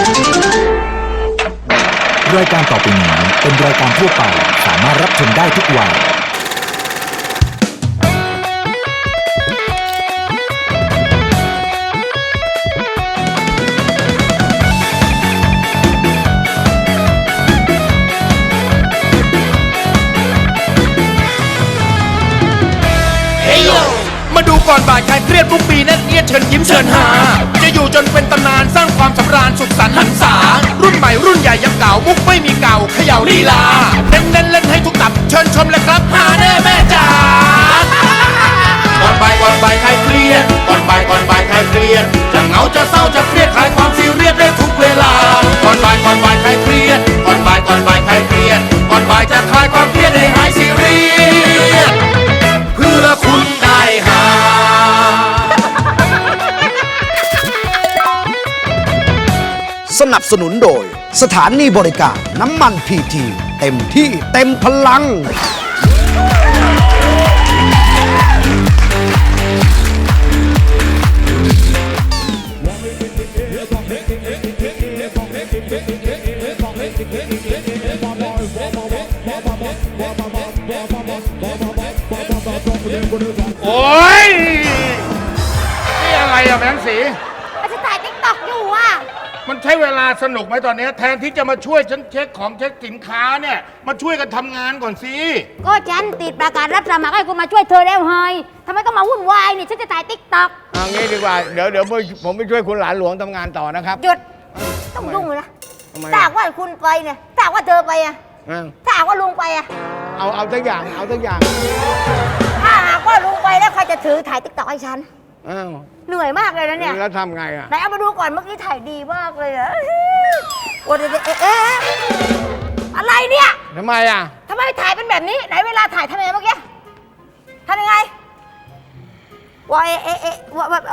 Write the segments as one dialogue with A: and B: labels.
A: รายการต่อไปนี้เป็นรายการทั่วไปสามารถรับชมได้ทุกวัย
B: มาดูก่อนบ่ายใครเครียดทุกปีแน่นเอียดเชิญยิ้มเชิญหาจะอยู่จนเป็นตำนานสร้างความสำราญสุขสันต์หันษารุ่นใหม่รุ่นใหญ่ยังเก่ามุกไม่มีเก่าเขย่าลีลาเน้นเล่นให้ทุกตับเชิญชมเลยครับหาแน่แม่จ๋าก่อนบ่ายใครเครียดก่อนบ่ายใครเครียดจะเหงาจะเศร้าจะเครียดคลายความซีเรียสได้ทุกเวลาก่อนบ่ายใครเครียดก่อนบ่ายใครเครียดก่อนบ่ายจะคลายความเครียดให้หายซีเรียสเพื่อคุณได้หา
C: สนับสนุนโดยสถานีบริการน้ำมันพีทีเต็มที่เต็มพลัง
B: โอ้ยนี่อะไรอะแบงค์สี
D: มันจะถ่ายติ๊กต็อกอยู่อ่ะ
B: มันใช้เวลาสนุกไหมตอนนี้แทนที่จะมาช่วยฉันเช็คของเช็คสินค้าเนี่ยมาช่วยกันทำงานก่อนสิ
D: ก็ฉันติดประกาศรับสมัครให้คุณมาช่วยเธอแล้วเฮ้ยทำไมต้องมาวุ่นวายนี่ฉันจะถ่ายติ๊กต็อก
E: เอางี้ดีกว่าเดี๋ยวผมไปช่วยคุณหลานหลวงทำงานต่อนะครับ
D: หยุดต้องยุ่งเลยนะ
E: ทำไม
D: ถ้าหากว่าคุณไปเนี่ยถ้าหากว่าเธอไปอ่ะ
E: อ้าว
D: ถ้าหากว่าลุงไปอ่ะ
E: เอาสักอย่างเอาสักอย่าง
D: ถ้าหากว่าลุงไปแล้วใครจะถือถ่ายติ๊กต็อกให้ฉัน
E: อ้าว
D: เหนื่อยมากเลยนะเนี่ย
E: แล้วทำไงอ่ะ
D: ไหนเอามาดูก่อนเมื่อกี้ถ่ายดีมากเลยอะโอ้ยอะไรเนี่ย
E: ทำไมอ่ะ
D: ทำไมถ่ายเป็นแบบนี้ไหนเวลาถ่ายทำยังไงเมื่อกี้ทำยังไงว่าว่าแบบ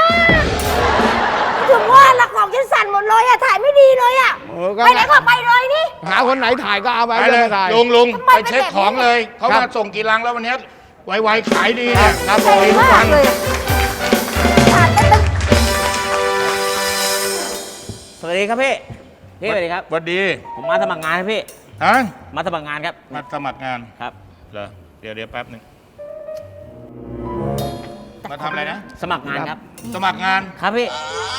D: ถึงว่าละของฉันสั่นหมดเลยอะถ่ายไม่ดีเลยอะ
E: ก็
D: ไปไหนก็ไปเลยนี่
E: หาคนไหนถ่ายก็เอาไป
B: ไปเลย
E: ถ่าย
B: ลุง
D: ทำไม
B: ไปเช็คของเลยเขา
E: ครับ
B: มาส่งกี่ลังแล้ววันนี้ไวๆขายดีเนี่ยครับผม
D: ดี
B: ทุก
D: มา
B: วั
D: ก
B: น
D: เลยอะถ่ายเต้น
F: สวัสดีครับพี่สวัสดีครับ
B: สวัสดี
F: ผมมาสมัครงานครับพี่
B: ฮะ
F: มาสมัครงานครับ
B: มาสมัครงาน
F: ครับ
B: เหรอเดี๋ยวแป๊บหนึ่งมาทำอะไรนะ
F: สมัครงานครับ
B: สมัครงาน
F: ครับพี่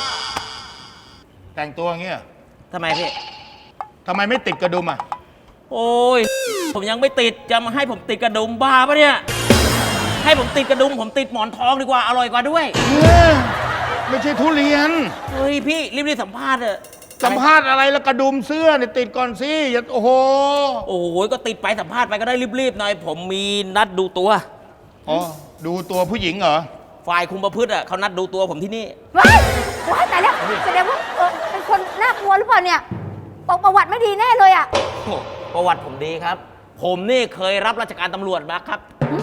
B: แต่งตัวอย่างเงี้ย
F: ทำไมพี่
B: ทำไมไม่ติดกระดุมอ่ะ
F: โอ้ยผมยังไม่ติดจะมาให้ผมติดกระดุมบ้าปะเนี่ยให้ผมติดกระดุมผมติดหมอนทองดีกว่าอร่อยกว่าด้วย
B: ไม่ใช่ทุเรียน
F: เฮ้ยพี่รีบสัมภาษณ์เถอะ
B: สัมภาษณ์อะไรแล้วกระดุมเสื้อเนี่ยติดก่อนสิอย่าโอ้โห
F: โอ้ยก็ติดไปสัมภาษณ์ไปก็ได้รีบๆหน่อยผมมีนัดดูตัว
B: อ๋อดูตัวผู้หญิงเหรอ
F: ฝ่ายคุมประพฤติอ่ะเขานัดดูตัวผมที่นี่
D: ว้ายตายแล้วแสดงว่าเป็นคนน่ากลัวหรือเปล่าเนี่ยบอกประวัติไม่ดีแน่เลยอะ
F: โอ้ประวัติผมดีครับ ผมนี่เคยรับราชการตำรวจมาครับ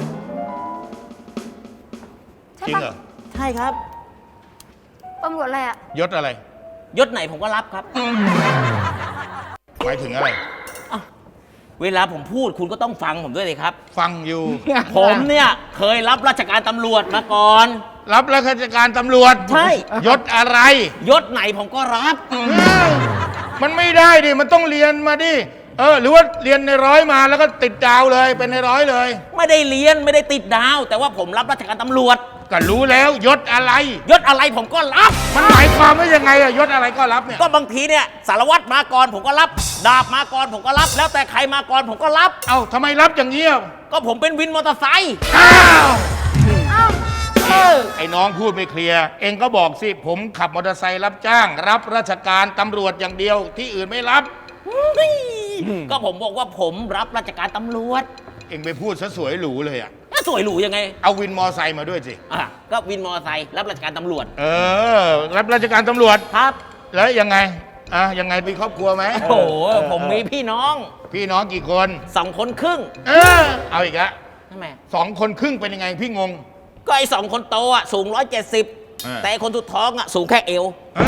D: ใช่
B: จริง
D: ปะ
B: เหรอ
F: ใช่ครับ
D: ตำรวจอะไรอะ
B: ยศอะไร
F: ยศไหนผมก็รับครับ
B: หมายถึงอะไร
F: เวลาผมพูดคุณก็ต้องฟังผมด้วยเลยครับ
B: ฟังอยู่
F: ผมเนี่ยเคยรับราชการตำรวจมาก่อน
B: รับราชการตำรวจ
F: ใช่
B: ยศอะไร
F: ยศไหนผมก็รับ
B: มันไม่ได้ดิ มันต้องเรียนมาดิ หรือว่าเรียนในร้อยมาแล้วก็ติดดาวเลย เป็นในร้อยเลย
F: ไม่ได้เรียนไม่ได้ติดดาว แต่ว่าผมรับราชการตำรวจ
B: ก็รู้แล้วยศอะไร
F: ยศอะไรผมก็รับ
B: มันหมายความว่ายังไงอะยศอะไรก็รับเนี่ย
F: ก็บางทีเนี่ยสารวัตรมาก่อนผมก็รับ ดาบมาก่อนผมก็รับ แล้วแต่ใครมาก่อนผมก็รับ
B: เอ้าทำไมรับอย่างนี้อะ
F: ก็ผมเป็นวินมอเตอร์ไซค์
B: อ้าว
D: อ้าว
B: ไอ้น้องพูดไม่เคลียร์ เองก็บอกสิ ผมขับมอเตอร์ไซค์รับจ้าง รับราชการตำรวจอย่างเดียวที่อื่นไม่รับ
F: ก็ผมบอกว่าผมรับราชการตำรวจ
B: เองไปพูดซะสวยหรูเลยอะ
F: แล้วสวยหรูยังไง
B: เอาวินมอไซค์มาด้วยสิ
F: ก็วินมอเตอร์ไซค์รับราชการตำรวจ
B: รับราชการตำรวจ
F: ครับ
B: แล้วยังไง ยังไงมีครอบครัวไหม
F: โอ้โหผมมีพี่น้อง
B: พี่น้องกี่คน
F: 2 คนครึ่ง
B: เอาอีกละ
F: ทำไม
B: 2 คนครึ่งเป็นยังไงพี่งง
F: ก็ไอ้2 คนโตอ่ะสูง 170 แต่ไอ้คนสุดท้องอ่ะสูงแค่เอว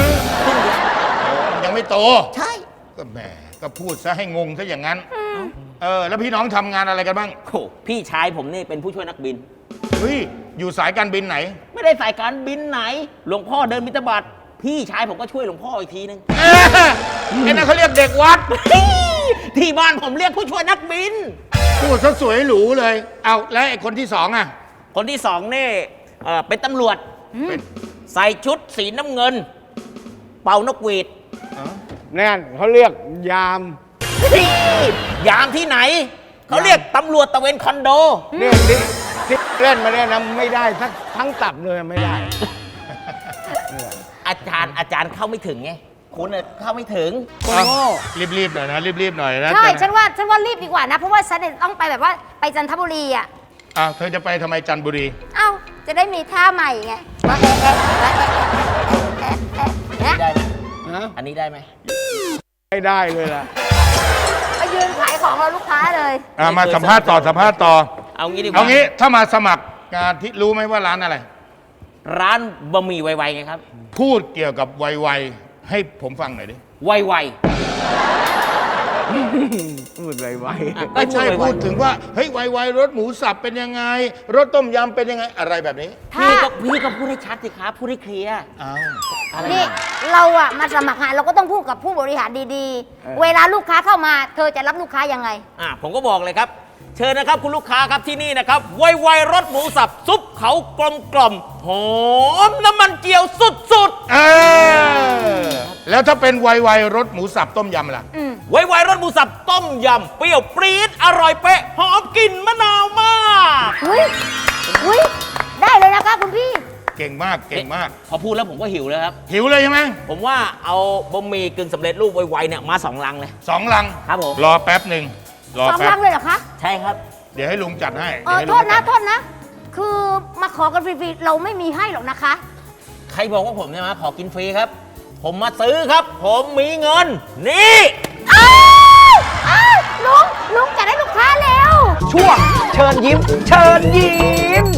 B: ยังไม่โต
F: ใช่
B: ก็แหมก็พูดซะให้งงซะอย่างนั้น แล้วพี่น้องทำงานอะไรกันบ้าง
F: โอ้พี่ชายผมนี่เป็นผู้ช่วยนักบิน
B: เฮ้ย อยู่สายการบินไหน
F: ไม่ได้สายการบินไหน หลวงพ่อเดินบิณฑบาตพี่ชายผมก็ช่วยหลวงพ่ออีกทีนึง
B: ไอ้นั่นเขาเรียกเด็กวัด
F: ที่บ้านผมเรียกผู้ช่วยนักบิน
B: พูดซะสวยหรูเลย เอาแล้วไอ้คนที่สองอ่ะ
F: คนที่สองนี่เป็นตำรวจ
B: เป็น
F: ใส่ชุดสีน้ำเงิน เป่านกหวีด
E: แน่นเขาเรียกยาม
F: ยามที่ไหน เขาเรียกตำรวจตะเวนคอนโด
E: เนี่ยที่เล่นมาเนี่ยนะไม่ได้ทั้งตับเลยไม่ได้
F: อาจารย์เข้าไม่ถึงไงคุณน่ะเข้าไม่ถึง
B: รีบๆหน่อยนะรีบๆหน่อยนะ
D: ใช่ฉันว่ารีบดีกว่านะ เพราะว่าฉันเนี่ยต้องไปแบบว่าไปจันทบุรีอ่ะ
B: อ้าวเธอจะไปทำไมจันทบุรี
D: เอ้าจะได้มีท่าใหม่ไงว่า
F: ได้ไหม
E: ฮะ
F: อันนี้ได้ไหม
E: ไม่ได้เลยล่ะ
D: ไปยืนขายของเราลูกค้าเลย
B: มาสัมภาษณ์ต่อ
F: เอางี้ดีกว่า
B: เอางี้ถ้ามาสมัครงานที่รู้ไหมว่าร้านอะไร
F: ร้านบะหมี่ไวๆไงครับ
B: พูดเกี่ยวกับไวๆให้ผมฟังหน่อยดิ
F: ไว
E: พูดไว
F: ๆ
B: ไม่ใช่
F: ไวๆ
B: พูดถึงว่าเฮ้ยไวๆรสหมูสับเป็นยังไง รสต้มยำเป็นยังไงอะไรแบบนี้
F: พี่ก็พูดให้ชัดสิครับพูดให้เคลียร์
B: อ้าว
F: อะไร
D: นี่เราอะมาสมัครงานเราก็ต้องพูดกับผู้บริหารดีๆ เวลาลูกค้าเข้ามา เธอจะรับลูกค้ายังไง
F: ผมก็บอกเลยครับ เชิญนะครับคุณลูกค้าครับที่นี่นะครับไวๆรสหมูสับซุปเขากลมๆหอมน้ำมันเจียวสุด
B: แล้วถ้าเป็นไวๆรสหมูสับต้มยำล่ะ
F: ๆไวๆรสหมูสับต้มยำเปรี้ยวปรี๊ดอร่อยเป๊ะหอมกลิ่นมะนาวมาก
D: อุ้ยได้เลยนะคะคุณพี่
B: เก่งมากเก่งมาก
F: พอพูดแล้วผมก็หิวแล้วครับ
B: หิวเลยใช่ไหม
F: ผมว่าเอาบะหมี่กึ่งสำเร็จรูปไวๆเนี่ยมา2 ลังเลย
B: 2 ลัง
F: ครับผม
B: รอแป๊บหนึ่งรอ
D: สอง
B: แป๊
D: ลั
B: บ
D: งเลยเหรอคะ
F: ใช่ครับ
B: เดี๋ยวให้ลุงจัดให้
D: เออ
B: เดี๋ยวให้
D: โท
B: ลุ
D: ษ
B: ง
D: นะ คือมาขอกันฟรีๆ เราไม่มีให้หรอกนะคะ
F: ใครบอกว่าผมเนี่ยมาขอกินฟรีครับ ผมมาซื้อครับ ผมมีเงิน นี่
D: อ้าวลุงจัดให้ลูกค้าเร็ว
C: ช่วงเชิญยิ้ม เชิญยิ้ม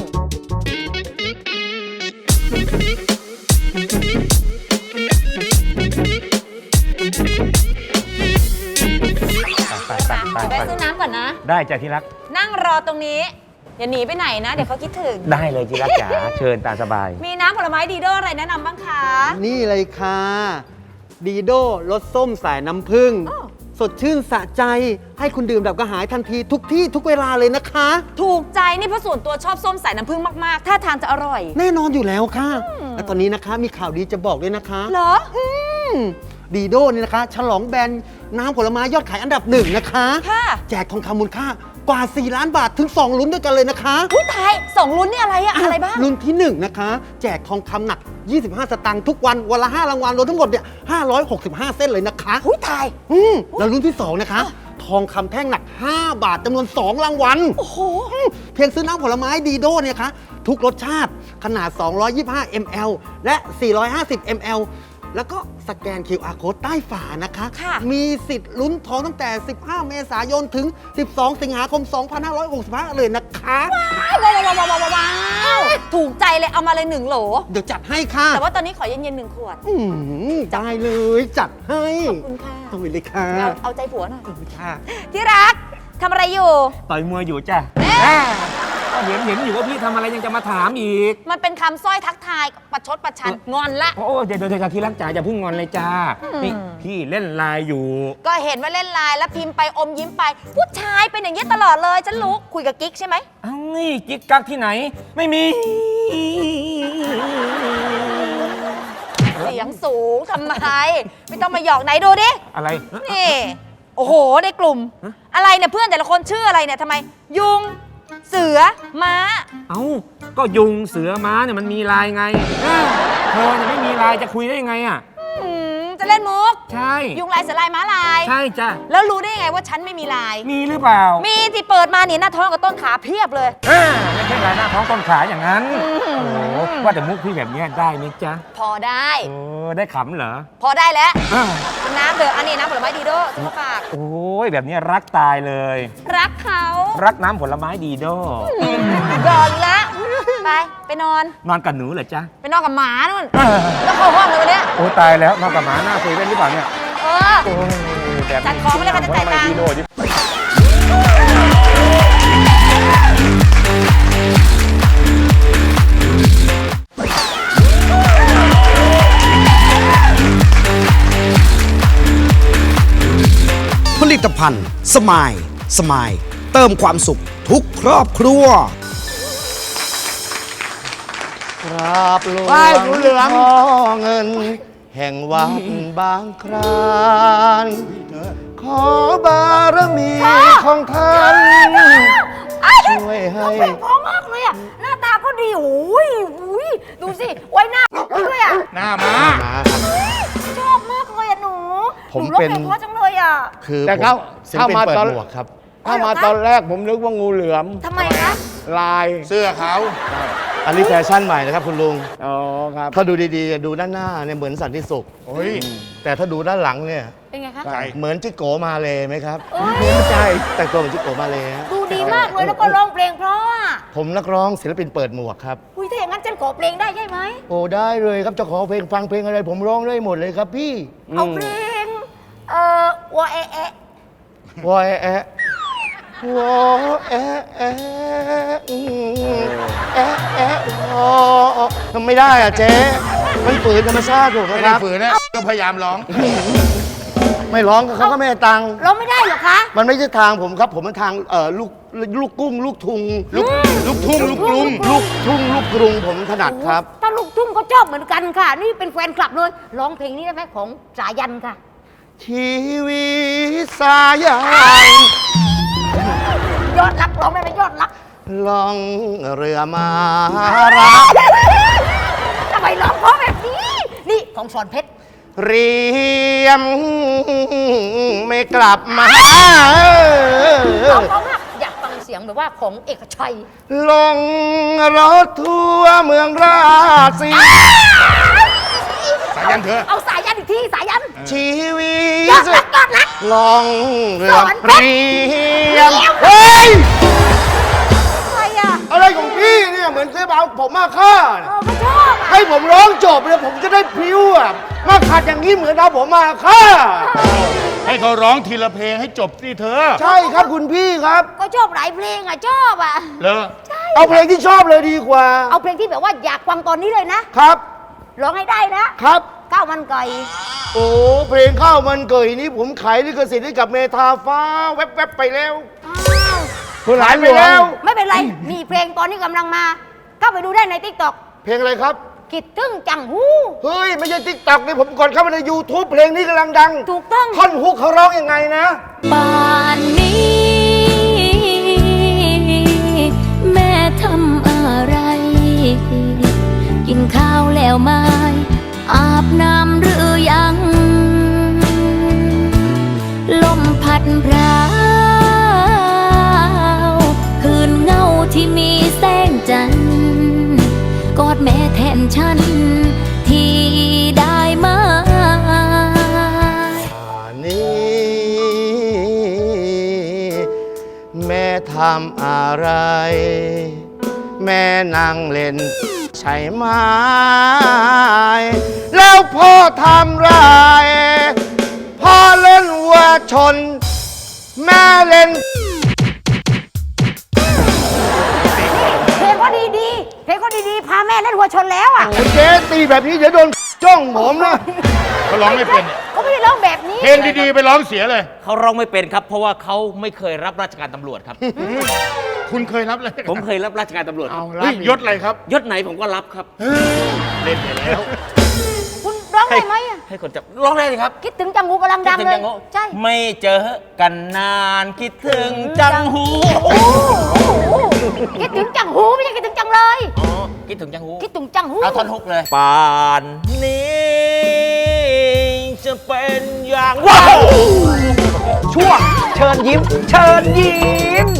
G: ไปซื้อน้ำก่อนนะ
F: ได้จ้ะที่รัก
G: นั่งรอตรงนี้ อย่าหนีไปไหนนะ เดี๋ยวเขาคิดถึง
F: ได้เลยที่รักจ๋า เชิญตามสบาย
G: มีน้ำผลไม้ดีโดอะไรแนะนำบ้างคะ
H: นี่เลยค่ะดีโดรสส้มสายน้ำผึ้ง
G: อ้อ
H: สดชื่นสะใจให้คุณดื่มแบบกระหายทันทีทุกที่ทุกเวลาเลยนะคะ
G: ถูกใจนี่เพราะส่วนตัวชอบส้มสายน้ำผึ้งมากๆ ถ้าทางจะอร่อย
H: แน่นอนอยู่แล้วค่ะ และตอนนี้นะคะมีข่าวดีจะบอกด้วยนะคะ
G: เหรอ
H: ดีโดนี่นะคะ ฉลองแบรนด์น้ำผลไม้ยอดขายอันดับหนึ่งนะคะ
G: ค่ะ
H: แจกทองคำมูลค่ากว่า 4 ล้านบาทถึง 2 ลุ้นด้วยกันเลยนะคะ
G: อุ้ยตายสองลุ้นนี่อะไรอะอะไรบ้าง
H: ลุ้นที่ 1 นะคะ แจกทองคำหนัก 25 สตางค์ทุกวันวันละ 5 รางวัลรวมทั้งหมดเนี่ย565 เส้นเลยนะคะ
G: อุ้ยตาย
H: แล้วรุ่นที่ 2 นะคะ ทองคำแท่งหนัก 5 บาทจำนวน 2 รางวัล
G: โอ้โห
H: เพียงซื้อน้ำผลไม้ดีโดเนี่ยคะทุกรสชาติขนาด 225 ml และ 450 ml แล้วก็สแกน QR code ใต้ฝานะคะ
G: ค่ะ
H: มีสิทธิ์ลุ้นทองตั้งแต่ 15 เมษายนถึง 12 สิงหาคม 2565 เลยนะคะ
G: ว้าวถูกใจเลยเอามาเลย1 โหล
H: เดี๋ยวจัดให้ค่ะ
G: แต่ว่าตอนนี้ขอเย็นๆ1 ขวด
H: ได้เลยจัดให้
G: ขอบคุณค่ะ
H: ต้องไปเลยค่ะ
G: เอาใจผัวหน่อย
H: ค่ะ
G: ที่รักทำอะไรอยู่
I: ต่อยมวยอยู่จ้ะก็เห็นอยู่ว่าพี่ทำอะไรยังจะมาถามอีก
G: มันเป็นคำสร้อยทักทายประชดประชันงอนละ
I: โอ้เดี๋ยวที่รักจ๋าอย่าเพิ่งงอนเลยจ้า นี่พี่เล่นไลน์อยู่
G: ก็เห็นว่าเล่นไลน์แล้วพิมพ์ไปอมยิ้มไป ผู้ชายเป็นอย่างนี้ยตลอดเลยฉันรู้คุยกับกิ๊กใช่ไหม
I: เอ้านี่กิ๊กกักที่ไหน ไม่มี
G: เสียงสูงทำไม ไม่ต้องมาหยอกไหนดูดิ
I: อะไร
G: นี่ โอ้โห ในกลุ่ม อะไรเนี่ยเพื่อนแต่ละคนชื่ออะไรเนี่ยทำไม ยุง เสือ ม้า
I: เอ้า ก็ยุงเสือม้าเนี่ยมันมีไลน์ไงเธอเนี่ยไม่มีไลน์จะคุยได้ยังไงอ่ะ
G: จะเล่นมุก
I: ใช่
G: ยุงลายเสือลายม้าลาย
I: ใช่จ้ะ
G: แล้วรู้ได้ยังไงว่าฉันไม่มีลาย
I: มีหรือเปล่า
G: มีที่เปิดมาเนี่ยหน้าท้องกับต้นขาเพียบเลย
I: ไม่ใช่ลายหน้าท้องต้นขาอย่างนั้น โอ้โหว่าแต่มุกพี่แบบเนี้ยได้ไหมจ๊ะ
G: พอได้
I: โอ้ได้ขำเหรอ
G: พอได้แล้ว
I: อ่า
G: กินน้ำเถอะอันนี้น้ำผลไม้ดีโด้ซื้อมาฝาก
I: โอ้ยแบบเนี้ยรักตายเลย
G: รักเขา
I: รักน้ำผลไม้ดีโด
G: รออีกแล้วไปนอน
I: นอนกับหนูเหรอจ๊ะ
G: ไปนอนกับหมานู่นแล้วเข้าห้องเลยวันเนี้ย
I: โอ้ตายแล้วนอนกับหมาหน้าคุยได้หรือเปล่าเนี่ย
G: เออ
I: โอ้ยแบบ
G: จัดของไม่ได้ค่ะจะจ่ายตังค์
I: ดีโดดิ
C: ลิตภัณฑ์สมายสมายเติมความสุขทุกครอบครัว
E: กราบหลวงพ่อเงิน แห่งวัดบางครานขอบารมีของท่านช่วยให้
D: เพลงเพราะมากเลยอ่ะ หน้าตาก็ดีโอ้ยดูสิ ไว้หน้าด้วยอ่ะ
B: หน้ามา
D: ชอบมากเลยอ่ะหนู
E: ผม
D: หนูร้อง
E: เป็น
D: เพลงเพราะจังเลยอ่ะ
E: คือ
H: แต่เขา
E: ศิลปิน
H: เข้ามา
E: เปิด
H: ตอน
E: หมวกครับ
H: ถ้ามาตอนแรกผมนึกว่างูเหลือม
D: ทำไมคะ
H: ลาย
B: เสื้อเขา
E: อันนี้แฟชั่นใหม่นะครับคุณลุง
H: อ๋อครับ
E: ถ้าดูดีๆ ดูด้านหน้าเนี่ยเหมือนสันติสุข
B: โอ้ย
E: แต่ถ้าดูด้านหลังเนี่ย
D: เป็นไงคะ
B: ใช่
E: เหมือนจิโกมาเลยไหมครับ
D: เอ้ย
E: ใช่แต่งตัวเหมือนจิโกมาเลยฮะ
D: ดูดีมากเลยแล้วก็ร้องเพลงเพราะอ่ะ
E: ผมนักร้องศิลปินเปิดหมวกครับ
D: อุ้ยถ้าอย่างนั้นฉันขอเพลงได้ใช่ไหม
E: โอ้ได้เลยครับจะขอเพลงฟังเพลงอะไรผมร้องได้หมดเลยครับพี่
D: เอาเพลงวอเอะเอะ
E: วอแอะวอแอะแอะแอะแอะวอทำไม่ได้อ่ะเจ๊มันฝืนธรรมชาติผม
B: ไม่
E: นะค
B: ได้
E: รับ
B: ฝืนนะก็พยายามร้อง
E: ไม่ร้องก็เขาก็ไม่ให้ตังค์
D: ร้องไม่ได้เหรอคะ
E: มันไม่ใช่ทางผมครับ ผมมันทางลูกกุ้งลูกทุง
B: ลูกทุ่งลูกกรุง
E: ลูกทุ่งลูกกรุงผมถนัดครับ
D: ถ้าลูกทุ่งก็ชอบเหมือนกันค่ะ นี่เป็นแฟนคลับเลย ร้องเพลงนี้ได้ไหมของสายันค่ะ
E: ชีวิตสายัน
D: ยอดรักร้องได้ไหมยอดรัก
E: ล่องเรือมารัก
D: ทำไมร้องเพราะแบบนี้ นี่ของสอนเพชร
E: เรียมไม่กลับมา
D: ร้องเพราะมากอยากฟังเสียงแบบว่าของเอกชัย
E: ลงรถทัวร์เมืองราศี
B: สายันเถอะ
D: เอาสายันอีกทีสายัน
E: ชีวิ
D: ยอ
E: ต
D: ดรักยอดรัก
E: ลองเรือ
D: สอนเพชร
E: เรียมเฮ้ย
D: อะไรอ่ะ
E: อะไรของพี่เนี่ยเหมือนเคยเอาผมมาฆ่าน่ะ
D: ไม่ชอบอ่ะ
E: ให้ผมร้องจบเนี่ยผมจะได้พริ้วอ่ะมาขัดอย่างนี้เหมือนเอาผมมาฆ่า
B: ให้เขาร้องทีละเพลงให้จบสิเธอ
E: ใช่ครับคุณพี่ครับ
D: ก็ชอบหลายเพลงอ่ะชอบอ่ะ
B: เลอ
E: เอาเพลงที่ชอบเลยดีกว่า
D: เอาเพลงที่แบบว่าอยากฟังตอนนี้เลยนะครับ ร้องให้ได้นะครับ ข้าวมันไก่
E: โอ้เพลงข้าวมันเกยนี้ผมขายลิขสิทธิ์ให้กับเมทาฟ้าแวบๆไปแล้ว
D: อ้าว
E: คุณหลายไปแล้ว
D: ไม่เป็นไร มีเพลงตอนนี้กำลังมา เข้าไปดูได้ในติ๊กต็อก
E: เพลงอะไรครับ
D: คิดถึงจังหู
E: เฮ้ย ไม่ใช่ติ๊กต็อกนี่ผมก่อนเข้ามาใน YouTube เพลงนี้กำลังดัง
D: ถูกต้อง
E: ท่อนฮุกเขาร้องยังไงนะ
J: ป่านนี้ แม่ทำอะไร กินข้าวแล้วไหมอาบน้ำหรือยัง ลมพัดพราวคืนเงาที่มีแสงจันทร์กอดแม่แทนฉัน ที่ได้มา
E: นี้แม่ทำอะไร แม่นั่งเล่นใช่ไหมแล้วพ่อทำไร พ่อเล่นวัวชน แม่เล่น
D: เพลงก็ดีๆ เพลงก็ดีๆ พาแม่เล่นวัวชนแล้วอ่ะ
E: เจ๊ตีแบบนี้เดี๋ยวโดนจ้องผมนะ
B: เขาร้องไม่เป็น
D: เขาไม่ได้ร้องแบบนี้
B: เพลงดีๆไปร้องเสียเลย
F: เขาร้องไม่เป็นครับ เพราะว่าเขาไม่เคยรับราชการตำรวจครับ
B: คุณเคยรับเลย
F: ผมเคยรับราชการตำรวจครับ
B: เฮ้ยยศอะไรครับ
F: ยศไหนผมก็รับครับ
B: เล่นไปแล้ว
D: คุณร้องได้ไหมอ่ะ
F: ให้คนจับร้องได้เลยครับ
D: คิดถึงจังหูกำลังดัง
F: คิดถึ
D: เล
F: ง
D: ย
F: จังหู
D: ใช่
F: ไม่เจอกันนานคิดถึงจังหู
D: คิดถึงจังหูไม่ใช่คิดถึงจังเลย
F: อ๋อคิดถึงจังหู
D: คิดถึงจังหู
F: เอาท่อนฮุกเลยป่านนี้จะเป็นอย่างว้าว
C: ช่วงเชิญยิ้ม เชิญยิ้ม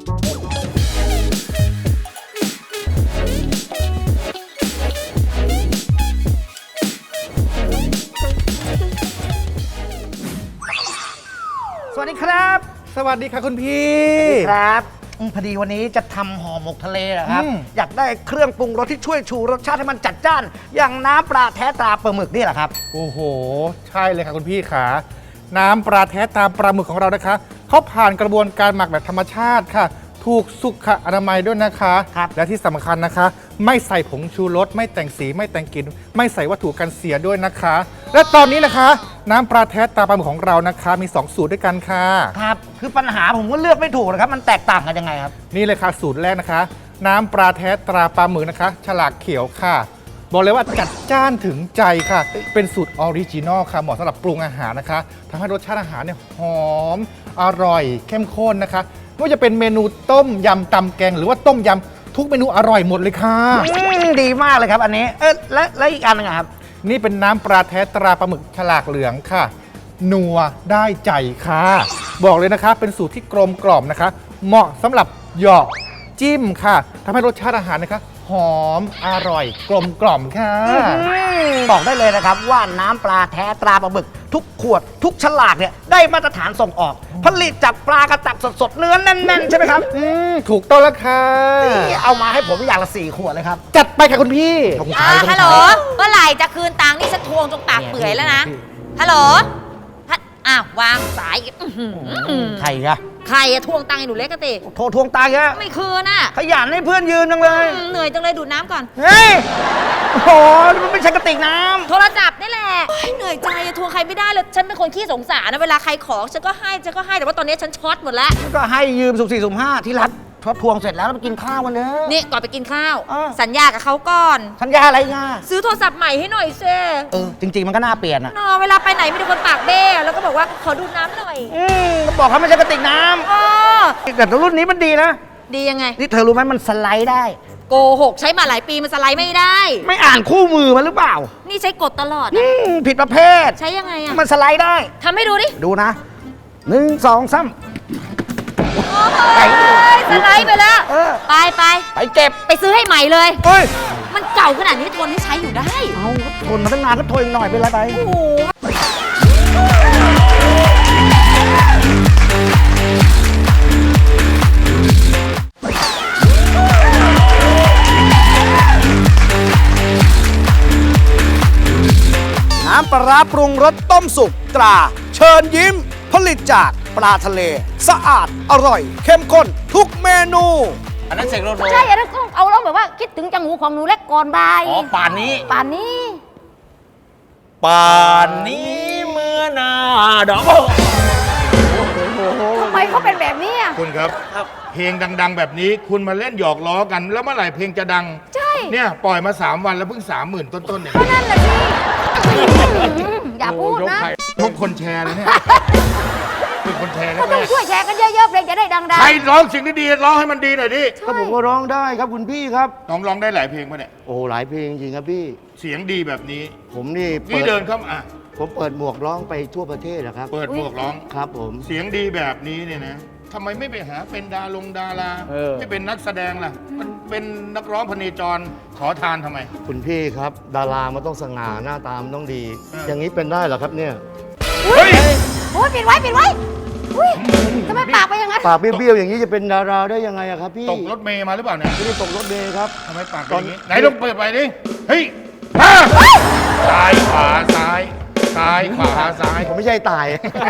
H: สวัสดีครับ สวัสดีค่ะคุณพี่
C: ครับพอดีวันนี้จะทำห่อหมกทะเลเหรอครับ อยากได้เครื่องปรุงรสที่ช่วยชูรสชาติให้มันจัดจ้าน อย่างน้ำปลาแท้ตราปลาหมึกนี่แหละครับ
K: โอ้โห ใช่เลยค่ะคุณพี่ขาน้ำปลาแท้ตามปลาหมึกของเรานะคะเขาผ่านกระบวนการหมักแบบธรรมชาติค่ะ ถูกสุขอนามัยด้วยนะคะ
C: ครับ
K: และที่สำคัญนะคะ ไม่ใส่ผงชูรสไม่แต่งสีไม่แต่งกลิ่นไม่ใส่วัตถุกันเสียด้วยนะคะและตอนนี้นะคะ น้ำปลาแท้ตราปลาหมึกของเรานะคะมี 2 สูตรด้วยกันค่ะ
C: ครับ คือปัญหาผมก็เลือกไม่ถูกนะครับ มันแตกต่างกันยังไงครับ
K: นี่เลยค่ะสูตรแรกนะคะ น้ำปลาแท้ตราปลาหมึกนะคะ ฉลากเขียวค่ะ บอกเลยว่าจัดจ้านถึงใจค่ะ เป็นสูตรออริจินอลค่ะเหมาะสำหรับปรุงอาหารนะคะทำให้รสชาติอาหารเนี่ยหอมอร่อยเข้มข้นนะคะไม่ว่าจะเป็นเมนูต้มยำตำแกงหรือว่าต้มยำทุกเมนูอร่อยหมดเลยค่ะ
C: ดีมากเลยครับอันนี้ และอีกอันหนึงอะครับ
K: นี่เป็นน้ำปลาแท้ตราปลาหมึกฉลากเหลืองค่ะ นัวได้ใจค่ะ บอกเลยนะคะ เป็นสูตรที่กลมกล่อมนะคะ เหมาะสำหรับเหยาะจิ้มค่ะทำให้รสชาติอาหารนะคะ หอมอร่อยกลมกล่อมค่ะ
C: บอกได้เลยนะครับว่าน้ำปลาแท้ตราปลาหมึกทุกขวดทุกฉลากเนี่ยได้มาตรฐานส่งออก ผลิตจากปลากระตักสดๆเนื้อแน่นๆใช่ไหมครับ
K: ถูกต้องแล้วค่ะ
C: เอามาให้ผมอย่างละ4 ขวดเลยครับ
K: จัดไปค่ะคุณพี่
G: ฮัลโหลเมื่อไหร่จะคืนตังค์นี่ฉันทวงจนปากเปื่อยแล้วนะฮัลโหลอ้าววางสายอีก
C: ใครอะ
G: ใครอะทวงตังค์ไอ้หนูเล็กกะติ
C: โทรทวงตายอะ
G: ไม่คืนน่ะ
C: ขยันให้เพื่อนยืนจังเลย
G: เหนื่อยจังเลยดูดน้ำก่อน
C: เฮ้ยโอ้โหนี่มันไม่ใช่กระติกน้ำ
G: โทรศัพท์นี่แหละเหนื่อยใจอะทวงใครไม่ได้เลยฉันเป็นคนขี้สงสารนะเวลาใครขอฉันก็ให้แต่ว่าตอนนี้ฉันช็อตหมดแล้ว
C: ก็ให้ยืมสุ่ม4สุ่ม5ที่รัฐพอทวงเสร็จแล้วเราไปกินข้าวกันเนอะ
G: นี่ก่อนไปกินข้าว
C: อ่า
G: สัญญากับเขาก่อน
C: สัญญาอะไรง่า
G: ซื้อโทรศัพท์ใหม่ให้หน่อยเซ่
C: จริง ๆ มันก็น่าเปลี่ยนอะ
G: นอเวลาไปไหนมีแต่คนปากเบ้แล้วก็บอกว่าขอดูน้ำหน่อย
C: ก็บอกเขาไม่ใช่กระติกน้
G: อ๋อ
C: ำแต่รุ่นนี้มันดีนะ
G: ดียังไง
C: นี่เธอรู้ไหมมันสไลด์ได้
G: โกหกใช้มาหลายปีมันสไลด์ไม่ได้
C: ไม่อ่านคู่มือมันหรือเปล่า
G: นี่ใช้กดตลอด
C: ผิดประเภท
G: ใช้ยังไงอะ
C: มันสไลด์ได้
G: ทำให้ดูดิ
C: ดูนะ1 2 3
G: โอ้ยสไลด์ไปแล้ว ไป
C: ไปเก็บ
G: ไปซื้อให้ใหม่เลย
C: เฮ้ย
G: มันเก่าขนาดนี้ทนให้ใช้อยู่ได้
C: เอาทนมาตั้งนานก็ทนอีกหน่อยเป็นไรไป
G: โอ้โห
C: น้ำปลาร้าปรุงรสต้มสุกตรา เชิญยิ้ม ผลิตจากปลาทะเล สะอาดอร่อย เข้มข้นทุกเมนู
F: อันนั้นเสกโลโซ
D: ใช่แล้วก็เอาร้องแบบว่าคิดถึงจังหูของหนูเล็กก่อนบาย
F: อ๋อป่านนี้
D: ป่านนี้
F: ป่านนี้เมื่อหนาดอก
D: ทำไมเขาเป็นแบบนี้อ่ะ
B: คุณครับ เพลงดัง ๆ แบบนี้คุณมาเล่นหยอกล้อกัน แล้วเมื่อไหร่เพลงจะดัง
D: ใช่
B: เนี่ยปล่อยมา 3 วันแล้วเพิ่ง 30,000 ต้นๆเนี่ย
D: ก็นั่นแหละสิอย่าพูดนะ
B: พวกคนแชร์เลยเนี่ยเป็นคนแชร์
D: ก็
B: แล้
D: ต้
B: ว
D: องช่วยแชร์กันเยอะๆเพลงจะได้ดัง
B: ใครร้องสิ่งที่ดีร้องให้มันดีหน่อยดิ
E: ก็ผมก็ร้องได้ครับคุณพี่ครับ
B: น้องร้องได้หลายเพลงป่ะเนี่ย
E: โอ้โหหลายเพลงจริงๆครับพี่
B: เสียงดีแบบนี้
E: ผมนี่
B: นี่เดินเข้ามา
E: ผมเปิดหมวกร้องไปทั่วประเทศนะครับ
B: เปิดหมวกร้อง
E: ครับผม
B: เสียงดีแบบนี้เนี่ยนะทำไมไม่ไปหาเป็นดาราไม่เป็นนักแสดงล่ะ มันเป็นนักร้องพเนจรขอทานทำไม
E: คุณพี่ครับ ดารามันต้องสง่าหน้าตามนต้องดี
B: เออ
E: อย่างนี้เป็นได้เหรอครับเนี่ย
D: ๆอุ้ยโอ้ยปิดไว้อุ้ยทำไมปากไปอย่างนั้น
E: ปากเบี้ยวๆอย่างนี้จะเป็นดาราได้ยังไงอะครับพี่
B: ตกรถเมย์มาหรือเปล่าเนี่ย
E: ไม่ได้ตกรถเมล์ครับ
B: ทำไมปากเป็นอย่างนี้ ไหนลองเปิดไปดิ เฮ้ยซ้ายขวาซ้าย ซ้ายขวาซ้าย
E: ผมไม่ใช่ตาย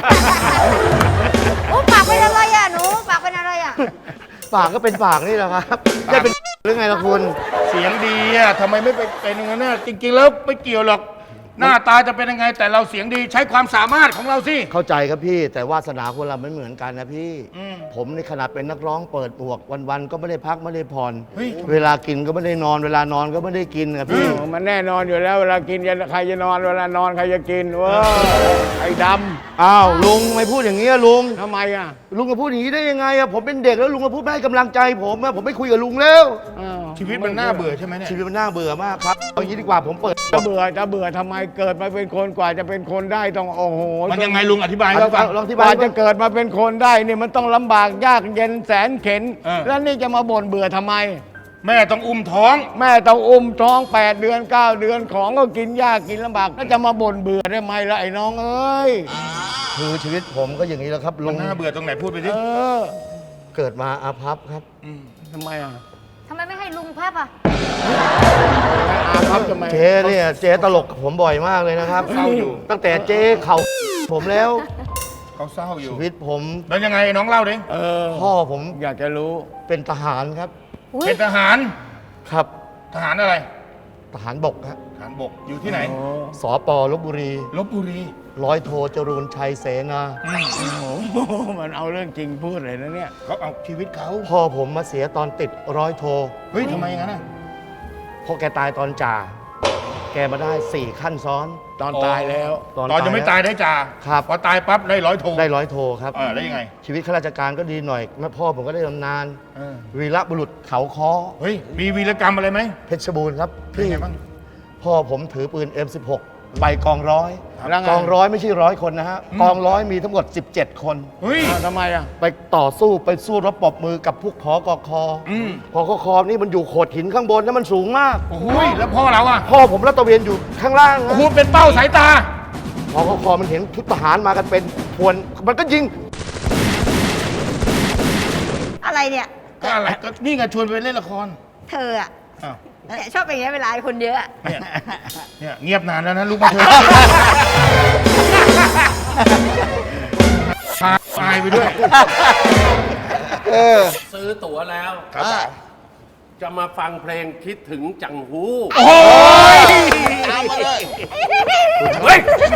D: โอ้ปากเป็นอะไรอ่ะหนูปากเป็นอะไรอ่ะ
E: ปากก็เป็นปากนี่แหละครับได้เป็นหรือไงล่ะคุณ
B: เสียงดีอ่ะทำไมไม่ไปเป็นอย่างนั้นน่ะจริงๆแล้วไม่เกี่ยวหรอก หน้าตาจะเป็นยังไงแต่เราเสียงดีใช้ความสามารถของเราสิ
E: เข้าใจครับพี่ แต่วาสนาคนเราไม่เหมือนกันนะพี่
B: อืม
E: ผมในขนาดเป็นนักร้องเปิดหมวกวันๆก็ไม่ได้พักไม่ได้ผ่อน
B: เฮ้ย
E: เวลากินก็ไม่ได้นอน เวลานอนก็ไม่ได้กินนะพี่
I: มันแน่นอนอยู่แล้วเวลากินใครจะนอนเวลานอนใครจะกินเว้ยไอ้ด
E: อ้าวลุงไม่พูดอย่างนี้อะลุง
I: ำทำไมอ่ะ
E: ลุงจะพูดอย่างนี้ได้ยังไงอะผมเป็นเด็กแล้วลุงมาพูดไม่ให้กำลังใจผมอะผมไม่คุยกับลุงแล้ว
B: ชีวิตมันน่าเบื่อใช่ไหมเนี่ย
E: ชีวิตมันน่าเบื่อมากครับเอางี้ดีกว่าผมเปิด
I: จะเบื่อทำไมเกิดมาเป็นคนกว่าจะเป็นคนได้ต้องโอ้โห
B: มันยังไงลุงอธิบายให้เราฟัง
E: ลองที่
I: ก
E: บ้า
I: ว่าน จะเกิดมาเป็นคนได้เนี่ยมันต้องลำบากยากเย็นแสนเข็น
B: เออ
I: แล้วนี่จะมาบ่นเบื่อทำไม
B: แม่ต้องอุ้มท้อง
I: แม่ต้องอุ้มท้อง8 เดือน 9 เดือนของก็กินยากกินลำบากแล้วจะมาบ่นเบื่อได้ไหมล่ะไอ้น้องเอ้ย
E: คือชีวิตผมก็อย่างนี้แหล้วครับลุ
B: มัน
E: ง
B: น่าเบื่อตรงไหนพูดไปดิ
I: เออ
E: เกิดมาอาภัพครับ
I: ทำไมอ่ะ
D: ทำไมไม่ให้ลุงพับอ่ะ
I: อาพับทำไม
E: เจ๊เนี่ยเจ๊ตลกกับผมบ่อยมากเลยนะครับ
B: เศร้าอยู่
E: ตั้งแต่เจ๊เขาผมแล้ว
B: เขาเศร้าอยู่
E: ชีวิตผม
B: แล้วยังไงน้องเล่าดิ
I: เออ
E: พ่อผม
I: อยากจะรู้
E: เป็นทหารครับ
B: เป็นทหาร
E: ครับ
B: ทหารอะไร
E: ทหารบกครับ
B: ทฐานบกอยู่ที่ไหน
E: สปลบบุรี
B: ลบบุรี
E: ร้อยโทจรูนชัยเสนา
I: โอ้โหมันเอาเรื่องจริงพูดเลยนะเนี่ย
B: เขาเอาชีวิตเขา
E: พ่อผมมาเสียตอนติดร้อยโท
B: เฮ้ยทำไมงั้นอ่ะ
E: พอแกตายตอนจ่า แกมาได้ 4 ขั้นซ้อน
I: ตอนตายแล้ว
B: ตอนยังไม่ตายได้จ่า
E: ครับ
B: พอตายปั๊บได้ร้อยโท
E: ได้ร้อยโทครับ
B: แล้วยังไง
E: ชีวิตข้าราชการก็ดีหน่อยแม่พ่อผมก็ได้บำนาญ
B: เออ
E: วีรบุรุษเขาค้อ
B: เฮ้ยมีวีรกรรมอะไรไหม
E: เพชรบูรณ์ครับ
B: เป็นไงบ้าง
E: พ่อผมถือปืน M16 ไปกองร้อย
I: แล้วไง
E: กองร้อยไม่ใช่100 คนนะฮะ กองร้อยมีทั้งหมด 17 คน
B: เฮ้ย
I: อ้าวทำไมอ่ะ
E: ไปต่อสู้ไปสู้รบปรบมือกับพวกพกค
B: อืม
E: พกคนี่มันอยู่โขดหินข้างบนนะมันสูงมาก
B: โอ้โหแล้วพ่อเราอ่ะ
E: พ่อผมรัตระเวนอยู่ข้างล่าง
B: โอ้
E: นะ
B: โหเป็นเป้าสายตา
E: พกคมันเห็นชุดทหารมากันเป็นพวนมันก็ยิง
D: อะไรเนี่ย
B: ก็อะไรก็นี่ไงชวนไปเล่นละคร
D: เธออะ
B: อ้าว
D: เนี่ยชอบเป็นอย่างนี้เวลาไอ้คนเยอะอะ
B: เนี่ยเงียบนานแล้วนะลูกมาเถอะพาตายไปด้วย
L: ซื้อตั๋วแล้ว
B: ครับ
L: จะมาฟังเพลงคิดถึงจังหู
B: โอ้ย
F: ตามมาเลย
B: เฮ้ย